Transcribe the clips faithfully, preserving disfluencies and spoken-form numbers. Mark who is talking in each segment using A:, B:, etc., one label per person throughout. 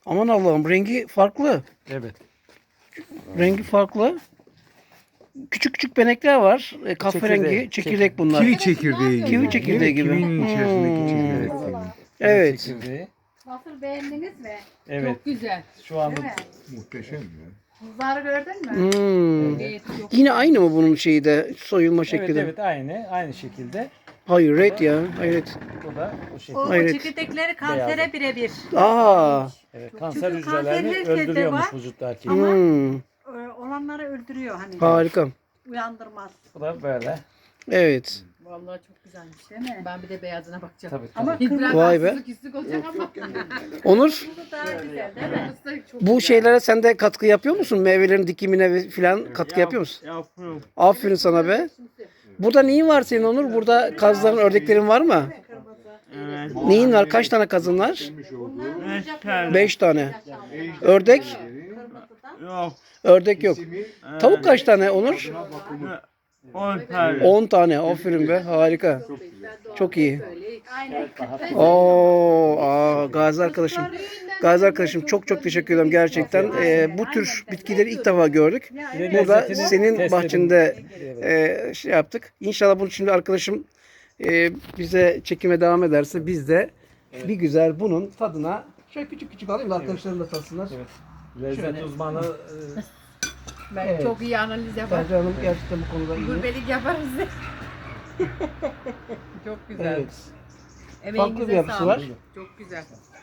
A: Aman Allah'ım, rengi farklı.
B: Evet.
A: Rengi farklı. Küçük küçük benekler var. E, kahverengi,
B: Çekirdek,
A: çekirdek bunlar.
C: Kivi çekirdeği gibi.
A: Kivi çekirdeği gibi.
C: Kivinin içerisindeki
A: Hmm.
C: çekirdek. gibi.
A: Evet.
B: Çekirdeği.
D: Nasıl beğendiniz mi?
B: Evet.
D: Çok güzel.
B: Şu anda
D: Değil mi?
C: Muhteşem ya.
D: Buzları gördün mü?
A: Hmm.
D: Evet, çok
A: Yine aynı mı bunun şeyi de soyulma şekli
B: evet
A: de?
B: evet aynı aynı şekilde.
A: Hayret ya. Hayret.
B: Bu da o şekilde.
E: O, o
A: Hayret.
E: çekirdekleri kansere
B: Beyazı.
E: birebir.
A: Aa.
B: Evet, kanser
E: Çünkü
B: hücrelerini
E: kanser herkeste
B: öldürüyormuş
E: var.
B: vücuttaki.
E: Ama-
A: Hmm.
E: Ee, Olanları öldürüyor hani.
A: Harika.
E: Uyandırmaz.
B: Bu da böyle.
A: Evet.
D: Vallahi çok güzelmiş değil mi? Ben bir de beyazına bakacağım.
B: Tabii tabii.
E: Ama
D: Biraz
A: Vay be.
D: haksızlık hissi olacak ama.
A: Onur,
E: bu daha güzel değil mi?
D: Kırmızı da çok
A: bu
D: güzel.
A: şeylere sen de katkı yapıyor musun? Meyvelerin dikimine ve filan katkı yapıyor musun?
B: Yapıyorum.
A: Aferin sana be. Burada neyin var senin Onur? Burada kazların, ördeklerin var mı?
B: Evet.
A: Neyin var? Kaç tane kazın var?
C: Demiş olduğu
B: Beş tane.
A: Beş tane. Ördek?
B: Yok.
A: Ördek yok.
C: ismi
A: Tavuk kaç tane Onur?
C: bakımı.
B: On tane.
A: On tane. Aferin be. Harika. Çok iyi.
D: Aynen.
A: Oo, aa, Gazi arkadaşım. Gazi arkadaşım çok çok teşekkür ederim gerçekten. Ee, bu tür bitkileri ilk defa gördük. Burada
B: Lezzetini
A: senin
B: test
A: bahçende
B: edin.
A: e, şey yaptık. İnşallah bunu şimdi arkadaşım e, bize çekime devam ederse biz de bir güzel bunun tadına şöyle küçük küçük alayım da arkadaşlarım da tatsınlar.
B: Evet. Lezzet uzmanı
D: Ben
A: Evet.
D: çok iyi analiz yaparım.
A: Sercan Hanım gerçekten bu konuda iyi.
D: Gurbelik yaparız. Çok güzel.
A: Evet.
D: Emeğinize
A: Farklı bir yapısı
D: sağlık.
A: var.
D: Çok güzel.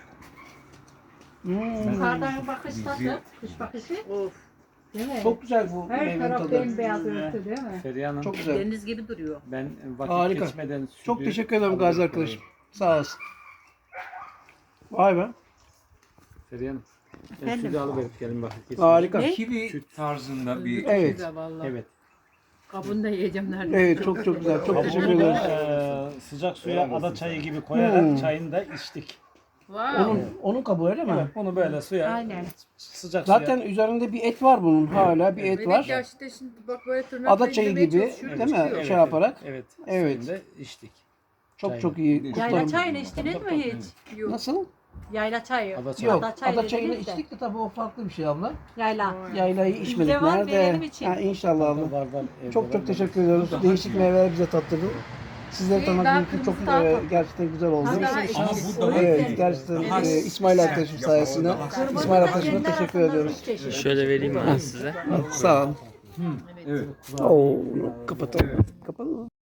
A: Hmm.
E: Yukarıdan bakış nasıl? Kış bakışı.
D: Of. Değil mi?
A: Çok güzel bu
D: Her
A: meyvenin
D: taraf
A: tadı.
D: bembeyaz örtü değil mi?
B: Feriha Hanım.
A: Çok güzel.
E: Deniz gibi duruyor.
B: Ben vakit
A: Harika.
B: geçmeden sütü...
A: Çok teşekkür ederim Gazi arkadaşım. Sağ olasın. Vay be.
B: Feriha Hanım. Ben
E: Efendim?
B: sütü alıverip gelin bakın. kesin.
A: Harika.
C: Kivi tarzında bir
A: Evet.
D: Güzel vallahi.
B: Evet.
D: Kabını da yiyeceğim neredeyse.
A: Evet çok çok güzel. Çok teşekkür
B: Bunu
A: ederim.
B: da, e, sıcak suya ada çayı gibi koyarak
A: Hmm.
B: çayını da içtik.
D: Wow.
A: Onun onun kabuğu öyle mi?
B: Evet, bunu böyle suya,
D: Aynen.
B: sıcak
A: Zaten
B: suya.
A: üzerinde bir et var bunun hala bir et
D: Evet,
A: var.
D: ya işte şimdi bak böyle tırnakla
A: Ada çayı
D: indirmeye
A: gibi
D: çalışıyorum,
A: değil mi?
D: çıkıyor.
A: Şey yaparak.
B: Evet.
A: Evet.
B: Suyunu da içtik.
A: Çok
B: Çayını.
A: çok iyi.
E: Yayla
A: Kutlarım.
E: çayını içtiniz mi hiç?
D: Yok.
A: Nasıl?
E: Yayla çayı.
B: Ada çayı.
A: Yok.
E: Ada çayı
A: Ada çayını
E: dediniz de.
A: içtik de tabii o farklı bir şey abla.
E: Yayla.
A: Yaylayı içmedik.
E: Bize var,
A: Nerede?
E: verelim için.
A: Ha, inşallah abla.
B: Var, var, evde
A: Çok
B: var.
A: çok teşekkür ediyoruz. Değişik meyveler bize tattırdın. Sizleri
D: İyi,
A: tanımak
D: daha
A: mümkün. Çok
D: kırmızı
A: e,
D: daha-
A: gerçekten güzel oldu.
D: Daha
C: Ama bu daha
A: Evet gerçekten
C: daha
A: e, İsmail arkadaşım sayesinde. İsmail arkadaşıma teşekkür ediyoruz.
F: Şöyle vereyim ben size.
A: Sağ olun.
C: Evet.
A: Oo, kapatalım. Kapatalım.